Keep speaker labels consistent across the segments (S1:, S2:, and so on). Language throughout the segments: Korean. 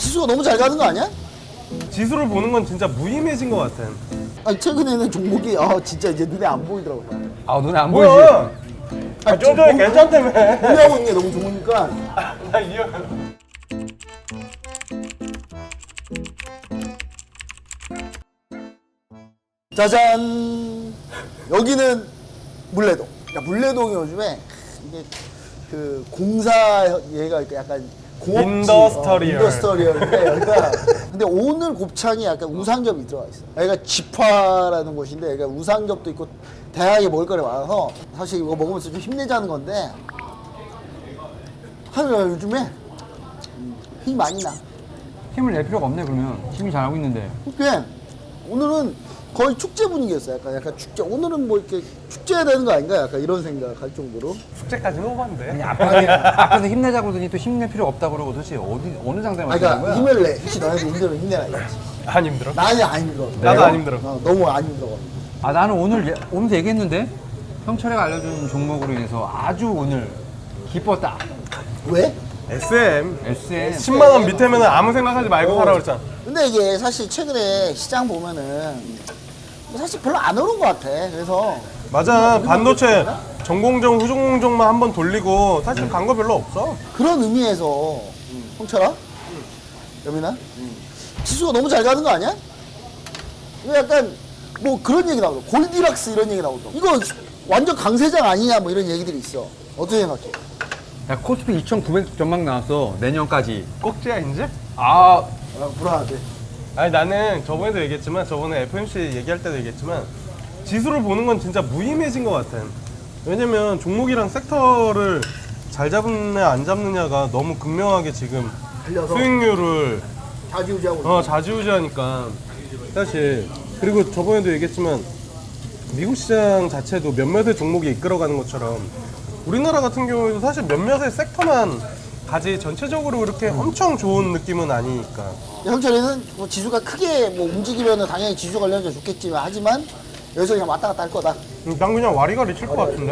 S1: 지수가 너무 잘 가는 거 아니야?
S2: 지수를 보는 건 진짜 무의미해진 것 같아.
S1: 아니 최근에는 종목이 진짜 이제 눈에 안 보이더라고.
S3: 아 눈에 안 보이지?
S2: 뭐야? 좀 전에 괜찮다며.
S1: 운영하고 있는 게 너무 좋으니까.
S2: 나 이형.
S1: 짜잔. 여기는 물레동. 야, 물레동이 요즘에 이게 그 공사 얘가 약간 공업지, 인더스터리얼인데 여기가 근데 오늘 곱창이 약간 우상겹이 들어가 있어. 여기가 지파라는 곳인데 여기가 우상겹도 있고 다양하게 먹을거리 많아서 사실 이거 먹으면서 좀 힘내자는 건데 하늘아 요즘에 힘이 많이 나.
S3: 힘을 낼 필요가 없네 그러면. 힘이 잘하고 있는데.
S1: 그게 오늘은 거의 축제 분위기였어. 약간 축제. 오늘은 뭐 이렇게 축제해야 되는 거 아닌가? 약간 이런 생각할 정도로.
S2: 숙제까지는 오반데.
S3: 앞에서 힘내자고 그러더니 또 힘낼 필요 없다고 그러고 도대체 어느 장단에 맞추는
S1: 그러니까
S3: 거야?
S1: 힘을 내. 혹시 너네도 힘들면 힘내라 이거지.
S2: 안 힘들어?
S1: 나는 안 힘들어.
S2: 나도 안 힘들어.
S1: 너무 안 힘들어.
S3: 아 나는 오면서 얘기했는데 형철이가 알려준 종목으로 인해서 아주 오늘 기뻤다.
S1: 왜?
S2: SM.
S3: SM
S2: 10만 원 밑에면 아무 생각하지 말고 사라 그랬잖아.
S1: 근데 이게 사실 최근에 시장 보면은 사실 별로 안 오른 것 같아. 그래서
S2: 맞아. 반도체 전공정, 후전공정만 한번 돌리고 사실 간 거 별로 없어.
S1: 그런 의미에서 홍철아? 여민아? 지수가 너무 잘 가는 거 아니야? 이거 약간 뭐 그런 얘기 나오고 골디락스 이런 얘기 나오고 이거 완전 강세장 아니냐 뭐 이런 얘기들이 있어. 어떻게 생각해?
S3: 야 코스피 2,900 전망 나왔어 내년까지.
S2: 꼭지야 이제?
S3: 아
S1: 불안하대.
S2: 아니 나는 저번에도 얘기했지만 저번에 FMC 얘기할 때도 얘기했지만 지수를 보는 건 진짜 무의미해진 것 같아. 왜냐면 종목이랑 섹터를 잘 잡느냐 안 잡느냐가 너무 극명하게 지금
S1: 달려서
S2: 수익률을
S1: 좌지우지하고 있어.
S2: 좌지우지하니까 사실. 그리고 저번에도 얘기했지만 미국 시장 자체도 몇몇의 종목이 이끌어가는 것처럼 우리나라 같은 경우에도 사실 몇몇의 섹터만 가지 전체적으로 이렇게 엄청 좋은 느낌은 아니니까.
S1: 형철이는 뭐 지수가 크게 뭐 움직이면 당연히 지수 관련해서 좋겠지만 하지만 여기서 그냥 왔다 갔다 할 거다.
S2: 난 그냥 와리가리 칠 것 같은데?
S3: 야,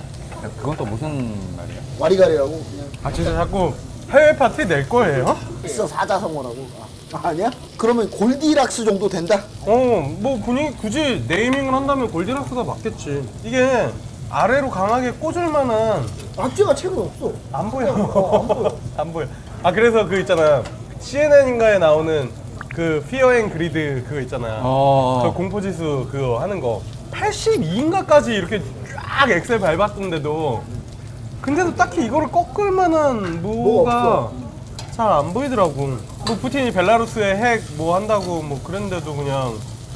S3: 그건 또 무슨 말이야?
S1: 와리가리라고 그냥
S2: 아 진짜 자꾸 해외 파티 낼 거예요?
S1: 있어 사자성어라고. 아니야? 그러면 골디락스 정도 된다?
S2: 뭐 분위기 굳이 네이밍을 한다면 골디락스가 맞겠지. 이게 아래로 강하게 꽂을 만한
S1: 악재가 최근 없어.
S2: 안 보여.
S1: 안 보여.
S2: 안 보여. 아 그래서 그 있잖아. CNN인가에 나오는 그 피어 앤 그리드 그거 있잖아. 그 공포지수 그거 하는 거 82인가까지 이렇게 쫙 엑셀 밟았던데도 근데도 딱히 이거를 꺾을 만한 뭐가 잘 안 보이더라고. 뭐 푸틴이 벨라루스에 핵 뭐 한다고 뭐 그랬는데도 그냥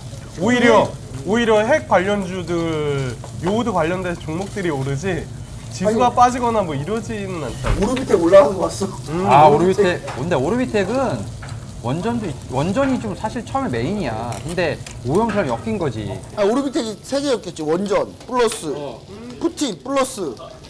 S2: 오히려 핵 관련주들 요오드 관련된 종목들이 오르지 지수가
S1: 아니,
S2: 빠지거나 뭐 이러지는 않잖아.
S1: 오르비텍 올라가는 거 봤어?
S3: 아 오르비텍. 근데 오르비텍은 원전이 좀 사실 처음에 메인이야. 근데 오형처럼 엮인 거지.
S1: 오르비텍이 세 개였겠지. 원전 플러스 푸틴 플러스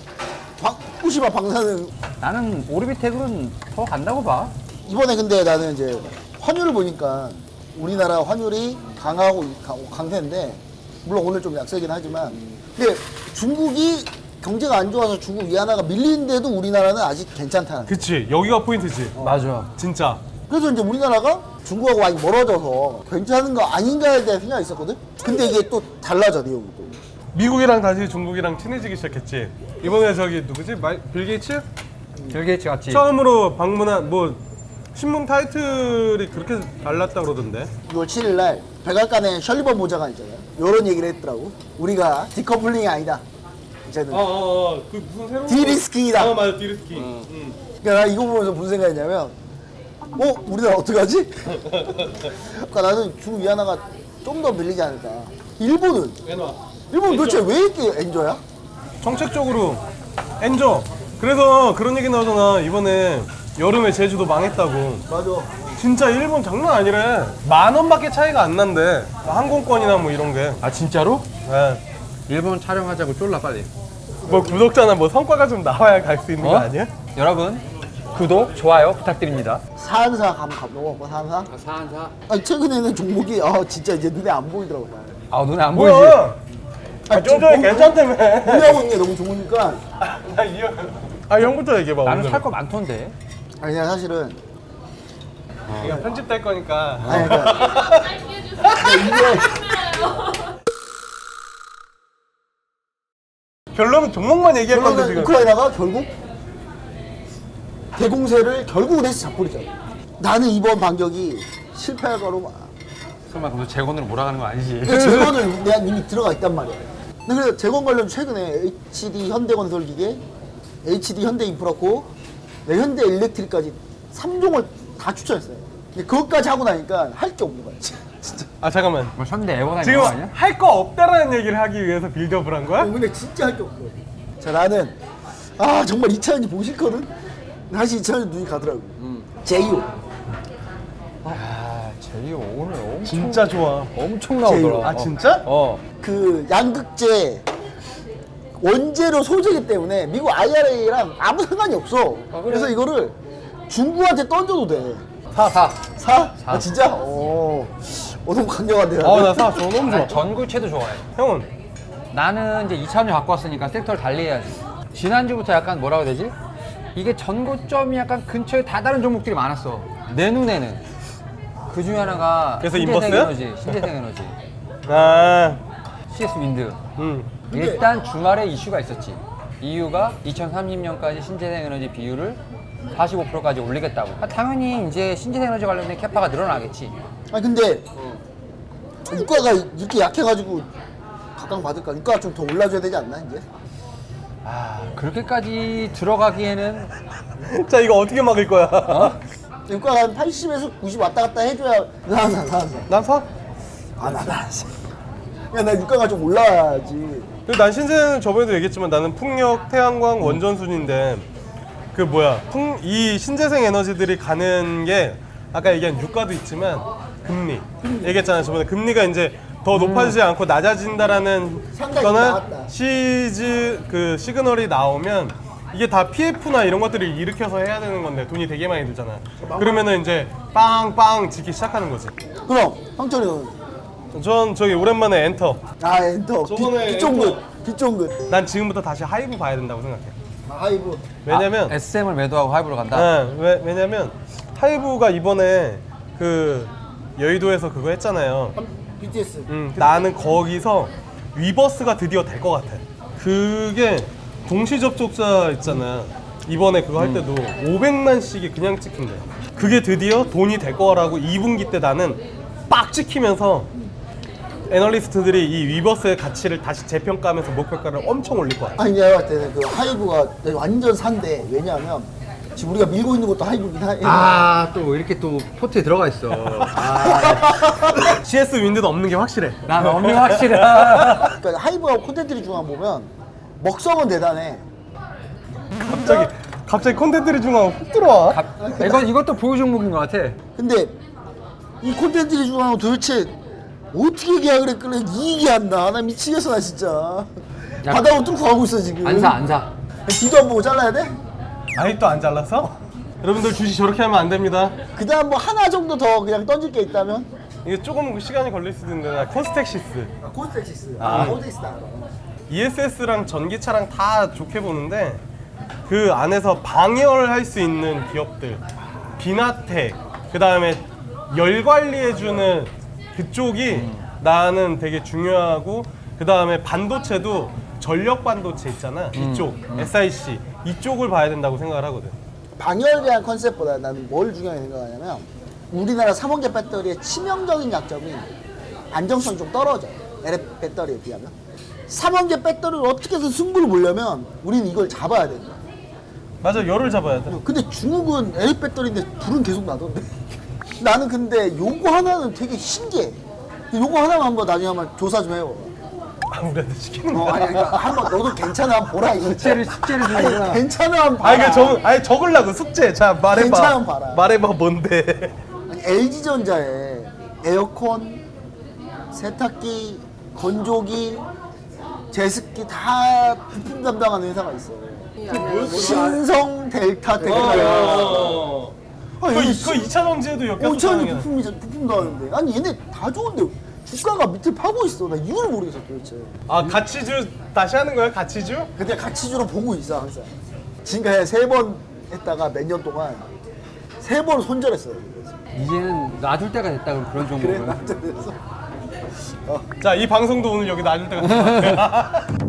S1: 후쿠시마 방사능.
S3: 나는 오르비텍은 더 간다고 봐.
S1: 이번에 근데 나는 이제 환율을 보니까 우리나라 환율이 강하고 강세인데 물론 오늘 좀 약세긴 하지만 근데 중국이 경제가 안 좋아서 중국 위안화가 밀리는데도 우리나라는 아직 괜찮다는.
S2: 그치 여기가 포인트지.
S3: 맞아.
S2: 진짜.
S1: 그래서 이제 우리나라가 중국하고 많이 멀어져서 괜찮은 거 아닌가에 대한 생각이 있었거든. 근데 이게 또 달라져 내용이 또.
S2: 미국이랑 다시 중국이랑 친해지기 시작했지. 이번에 저기 누구지? 빌 게이츠?
S3: 빌 게이츠 같이.
S2: 처음으로 방문한 뭐 신문 타이틀이 그렇게 달랐다 그러던데.
S1: 6월 7일 날 백악관에 셜리번 보좌관 있잖아요. 이런 얘기를 했더라고. 우리가 디커플링이 아니다. 이제는
S2: 그 무슨 새로운
S1: 디리스킹이다.
S2: 맞아 디리스킹.
S1: 그러니까 나 이거 보면서 무슨 생각이냐면 우리나라 어떡하지? 그러니까 나는 중국 위안화가 좀 더 밀리지 않을까. 일본은 도대체 왜 이렇게 엔저야?
S2: 정책적으로 엔저. 그래서 그런 얘기 나오잖아. 이번에 여름에 제주도 망했다고.
S1: 맞아.
S2: 진짜 일본 장난 아니래. 10,000원밖에 차이가 안 난대. 항공권이나 뭐 이런 게.
S3: 아 진짜로?
S2: 네.
S3: 일본 촬영하자고 쫄라 빨리.
S2: 뭐 구독자나 뭐 성과가 좀 나와야 갈 수 있는 거 아니야?
S3: 여러분 구독, 좋아요 부탁드립니다.
S1: 사안사 한번 가보고 사안사?
S3: 사한사.
S1: 아니 최근에는 종목이 진짜 이제 눈에 안 보이더라고.
S3: 아 눈에 안 보이지?
S2: 뭐야? 좀 전에 괜찮다며.
S1: 운영하고 있는 게 너무 좋으니까.
S2: 형부터 얘기해봐.
S3: 나는
S2: 오늘은.
S3: 살 거 많던데.
S1: 아니 그냥 사실은
S2: 이거 편집될 거니까.
S1: 아니 그러니까 이게
S2: 결론은 종목만 얘기할 건데
S1: 결국은
S2: 지금.
S1: 우크라이나가 결국 대공세를 결국은 해서 잡고리죠. 나는 이번 반격이 실패할 거로 봐.
S3: 설마 그럼 재건으로 몰아가는 거 아니지?
S1: 재건을 내가 이미 들어가 있단 말이야. 근데 그래서 재건 관련 최근에 HD 현대건설기계, HD 현대인프라코, 현대 일렉트릭까지 3종을 다 추천했어요. 근데 그것까지 하고 나니까 할 게 없는 거야. 진짜.
S2: 아 잠깐만.
S3: 뭐 현대 에버나인
S2: 지금
S3: 거 아니야?
S2: 할 거 없다라는 얘기를 하기 위해서 빌드업을 한 거야?
S1: 근데 진짜 할 게 없어. 자 나는 정말 2차전지 보고 싶거든. 다시 2차전지 눈이 가더라고. 제이오.
S3: 제이오 오늘 엄청
S2: 진짜 좋아.
S3: 엄청
S1: 제이오.
S3: 나오더라.
S2: 아 진짜?
S1: 그 양극재 원재료 소재이기 때문에 미국 IRA랑 아무 상관이 없어. 그래서 이거를 중국한테 던져도 돼.
S3: 사.
S1: 사? 아 진짜? 너무 강력한데.
S2: 아나사 저 너무 좋아.
S3: 아니, 전구체도 좋아해.
S2: 형은?
S3: 나는 이제 2차전지 갖고 왔으니까 섹터를 달리해야지. 지난주부터 약간 뭐라고 해야 되지? 이게 전고점이 약간 근처에 다 다른 종목들이 많았어. 내 눈에는. 그 중에 하나가
S2: 그래서
S3: 신재생
S2: 인버스야?
S3: 에너지, 신재생 에너지,
S2: 아.
S3: CS 윈드.
S1: 근데-
S3: 일단 주말에 이슈가 있었지. 이유가 2030년까지 신재생 에너지 비율을 45%까지 올리겠다고. 당연히 이제 신재생 에너지 관련된 캐파가 늘어나겠지.
S1: 아니 근데 유가가 이렇게 약해가지고 각광 받을까? 유가가 좀 더 올라줘야 되지 않나 이제?
S3: 그렇게까지 들어가기에는
S2: 자 이거 어떻게 막을 거야?
S1: 유가가 한 80에서 90 왔다 갔다 해줘야 나
S2: 난 사?
S1: 안 사. 나 유가가 좀 올라야지.
S2: 그리고 난 신재는 저번에도 얘기했지만 나는 풍력, 태양광, 원전순인데 그 뭐야 이 신재생 에너지들이 가는 게 아까 얘기한 유가도 있지만 금리 얘기했잖아요. 저번에 금리가 이제 더 높아지지 않고 낮아진다라는
S1: 상당히
S2: 거는
S1: 나왔다.
S2: 시그널이 나오면 이게 다 PF나 이런 것들을 일으켜서 해야 되는 건데 돈이 되게 많이 들잖아. 그러면은 이제 빵빵 짓기 시작하는 거지.
S1: 그럼 형철이는
S2: 전 저기 오랜만에 엔터.
S1: 엔터
S2: 저번에
S1: 빗종긋
S2: 난 지금부터 다시 하이브 봐야 된다고 생각해.
S1: 하이브
S2: 왜냐면
S3: SM을 매도하고 하이브로 간다.
S2: 왜냐면 하이브가 이번에 그 여의도에서 그거 했잖아요.
S1: BTS
S2: 나는 거기서 위버스가 드디어 될 것 같아. 그게 동시 접촉자 있잖아. 이번에 그거 할 때도 500만씩이 그냥 찍힌대. 그게 드디어 돈이 될 거라고 2분기 때 나는 빡 찍히면서 애널리스트들이 이 위버스의 가치를 다시 재평가하면서 목표가를 엄청 올릴 거야.
S1: 아니 내가 봤을 때는 그 하이브가 완전 산데 왜냐하면 지금 우리가 밀고 있는 것도 하이브긴 해.
S3: 또 이렇게 또 포트에 들어가 있어.
S2: CS 윈드도 없는 게 확실해.
S3: 난 엄청 확실해.
S1: 그러니까 하이브하고 콘텐츠리 중앙 보면 먹성은 대단해.
S2: 갑자기 콘텐츠를 중앙 훅 들어와.
S3: 이것도 보유 종목인 것 같아.
S1: 근데 이 콘텐츠리 중앙은 도대체 어떻게 계약을 했길래 이익이 안 나? 나 미치겠어 나 진짜.
S3: 야,
S1: 바닥으로 뚫고 가고 있어 지금.
S3: 안 사.
S1: 뒤도 안 보고 잘라야 돼?
S2: 아직도 안 잘랐어? 여러분들 주식 저렇게 하면 안 됩니다.
S1: 그 다음 뭐 하나 정도 더 그냥 던질 게 있다면?
S2: 이게 조금 시간이 걸릴 수도 있는데 나 콘스텍시스.
S1: 콘텍시스. 콘텍시스 알아.
S2: ESS랑 전기차랑 다 좋게 보는데 그 안에서 방열할 수 있는 기업들 비나텍 그 다음에 열 관리해주는 그쪽이 나는 되게 중요하고 그 다음에 반도체도 전력 반도체 있잖아 이쪽 SIC 이쪽을 봐야 된다고 생각을 하거든.
S1: 방열에 대한 컨셉보다 나는 뭘 중요하게 생각하냐면 우리나라 3원계 배터리의 치명적인 약점이 안정성이 좀 떨어져. LF 배터리에 비하면 3원계 배터리를 어떻게 해서 승부를 보려면 우리는 이걸 잡아야 된다.
S2: 맞아 열을 잡아야 돼.
S1: 근데 중국은 LF 배터리인데 불은 계속 나던데. 나는 근데 요거 하나는 되게 신기해. 요거 하나만 한번 나중에 한번 조사 좀 해봐.
S2: 우리한테 시키는 거야.
S1: 아니 그러니까 한번 너도 괜찮아 한번 보라 이거.
S3: 숙제를 주는구나.
S1: 괜찮아 한번 봐라.
S2: 아니 적으려고 숙제. 자 말해봐.
S1: 괜찮으면 봐라.
S2: 말해봐 뭔데.
S1: 아니, LG전자에 에어컨, 세탁기, 건조기, 제습기 다 부품 담당하는 회사가 있어. 신성 델타 테크놀로지.
S2: 그거 2차 전지에도 엮여서
S1: 5천이 부품도 하는데 아니 얘네 다 좋은데 주가가 밑을 파고 있어. 나 이유를 모르겠어 도대체.
S2: 아 가치주 다시 하는 거야 가치주?
S1: 근데 가치주로 보고 있어 항상. 지금까지 3번 했다가 몇 년 동안 3번 손절했어요.
S3: 이제는 놔둘 때가 됐다 그런
S1: 그래
S3: 종목을.
S1: 나한테 그래서
S2: 자, 이 방송도 오늘 여기 놔줄 때가 됐다.